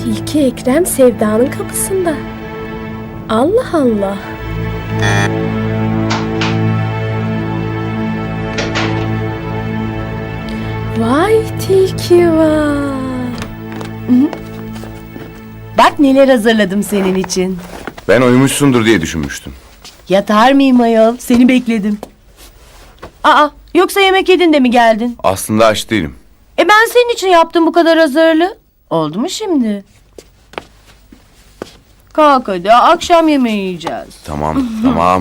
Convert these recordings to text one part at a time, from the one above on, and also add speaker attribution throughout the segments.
Speaker 1: Tilki Ekrem Sevda'nın kapısında. Allah Allah. Vay tilki var.
Speaker 2: Bak neler hazırladım senin için.
Speaker 3: Ben uyumuşsundur diye düşünmüştüm.
Speaker 2: Yatar mıyım ayol? Seni bekledim. Aa, yoksa yemek yedin de mi geldin?
Speaker 3: Aslında aç değilim.
Speaker 2: Ben senin için yaptım bu kadar hazırlığı. Oldu mu şimdi? Kalk hadi, akşam yemeği yiyeceğiz.
Speaker 3: Tamam, tamam.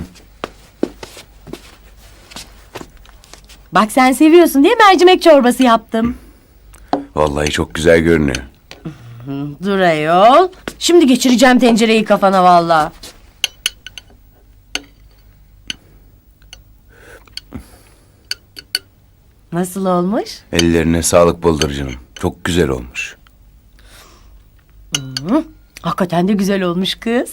Speaker 2: Bak sen seviyorsun diye mercimek çorbası yaptım.
Speaker 3: Vallahi çok güzel görünüyor.
Speaker 2: Dur ayol. Şimdi geçireceğim tencereyi kafana vallahi. Nasıl olmuş?
Speaker 3: Ellerine sağlık bıldırcınım. Çok güzel olmuş.
Speaker 2: Hakikaten de güzel olmuş kız.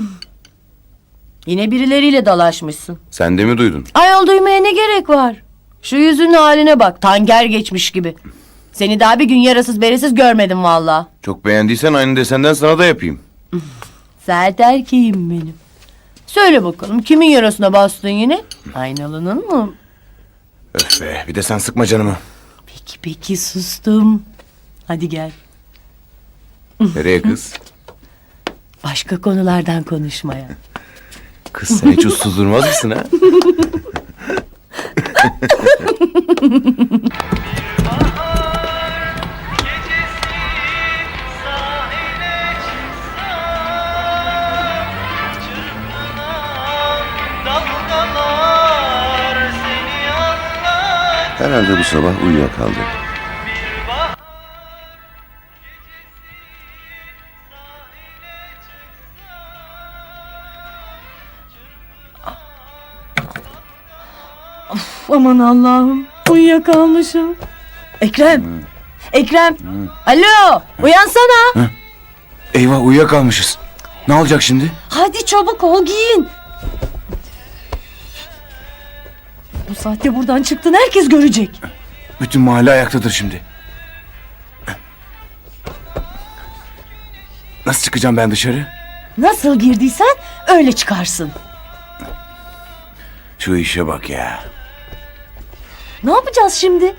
Speaker 2: Yine birileriyle dalaşmışsın.
Speaker 3: Sen de mi duydun?
Speaker 2: Ayol duymaya ne gerek var? Şu yüzünün haline bak, tanger geçmiş gibi. Seni daha bir gün yarasız beresiz görmedim valla.
Speaker 3: Çok beğendiysen aynı desenden sana da yapayım.
Speaker 2: Sert erkeğim benim. Söyle bakalım, kimin yarasına bastın yine? Aynalının mı?
Speaker 3: Öf be, bir de sen sıkma canımı.
Speaker 2: Peki sustum. Hadi gel.
Speaker 3: Nereye kız?
Speaker 2: Başka konulardan konuşmaya.
Speaker 3: Kız sen hiç uslu durmaz mısın ha?
Speaker 4: Herhalde bu sabah uyuyakaldı.
Speaker 2: Aman Allah'ım, uyuyakalmışım. Ekrem, Ekrem, alo, uyansana.
Speaker 3: Eyvah uyuyakalmışız. Ne olacak şimdi?
Speaker 2: Hadi çabuk ol, giyin. Bu saatte buradan çıktın, herkes görecek.
Speaker 3: Bütün mahalle ayaktadır şimdi. Nasıl çıkacağım ben dışarı?
Speaker 2: Nasıl girdiysen öyle çıkarsın.
Speaker 3: Şu işe bak ya.
Speaker 2: Ne yapacağız şimdi?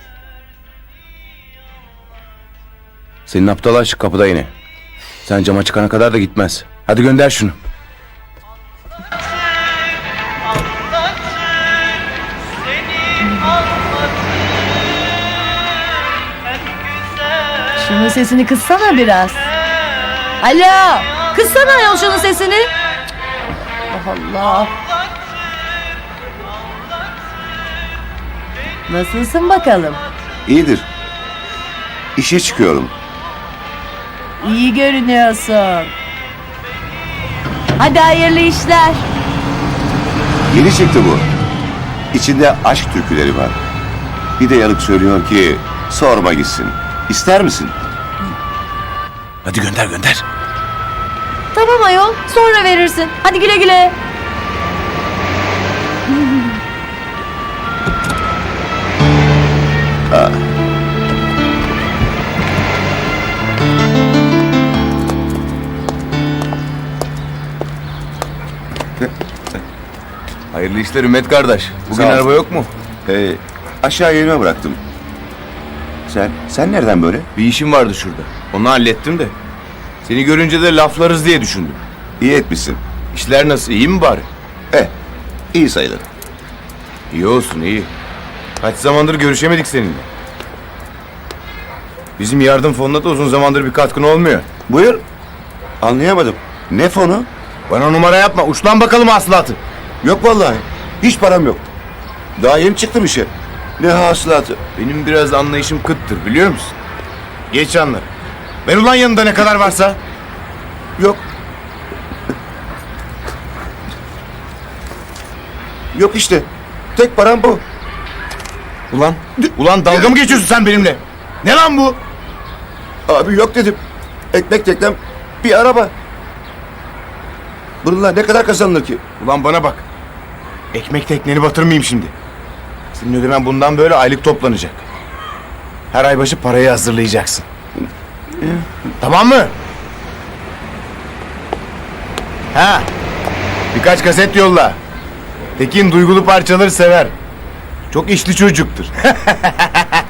Speaker 3: Senin aptal aşık kapıda yine. Sen cama çıkana kadar da gitmez. Hadi gönder şunu.
Speaker 2: Şunun sesini kıssana biraz. Alo, kıssana ayol şunun sesini. Allah Allah. Nasılsın bakalım?
Speaker 4: İyidir. İşe çıkıyorum.
Speaker 2: İyi görünüyorsun. Hadi hayırlı işler.
Speaker 4: Yeni çıktı bu. İçinde aşk türküleri var. Bir de yanık söylüyor ki sorma gitsin. İster misin?
Speaker 3: Hadi gönder gönder.
Speaker 2: Tamam ayol, sonra verirsin. Hadi güle güle.
Speaker 3: Hayırlı işler Ümmet kardeş. Bugün
Speaker 4: Sağ ol.
Speaker 3: araba yok mu?
Speaker 4: Aşağı yerime bıraktım. Sen nereden böyle?
Speaker 3: Bir işim vardı şurada. Onu hallettim de. Seni görünce de laflarız diye düşündüm.
Speaker 4: İyi etmişsin.
Speaker 3: İşler nasıl? İyi mi bari?
Speaker 4: İyi sayılır.
Speaker 3: İyi olsun iyi. Kaç zamandır görüşemedik seninle. Bizim yardım fonuna da uzun zamandır bir katkın olmuyor.
Speaker 4: Buyur. Anlayamadım. Ne fonu?
Speaker 3: Bana numara yapma. Uç lan bakalım hasılatı.
Speaker 4: Yok vallahi. Hiç param yok. Daha yeni çıktım işe. Ne hasılatı?
Speaker 3: Benim biraz anlayışım kıttır biliyor musun? Geç anla. Ver ulan yanında ne kadar varsa.
Speaker 4: Yok. Yok işte. Tek param bu.
Speaker 3: Ulan dalga mı geçiyorsun sen benimle? Ne lan bu?
Speaker 4: Abi yok dedim. Ekmek teknem bir araba. Bununla ne kadar kazanılır ki?
Speaker 3: Ulan bana bak. Ekmek tekneni batırmayayım şimdi. Senin ödemen bundan böyle aylık toplanacak. Her ay başı parayı hazırlayacaksın. Tamam mı? Ha. Birkaç kaset yolla. Tekin duygulu parçaları sever. Çok işli çocuktur.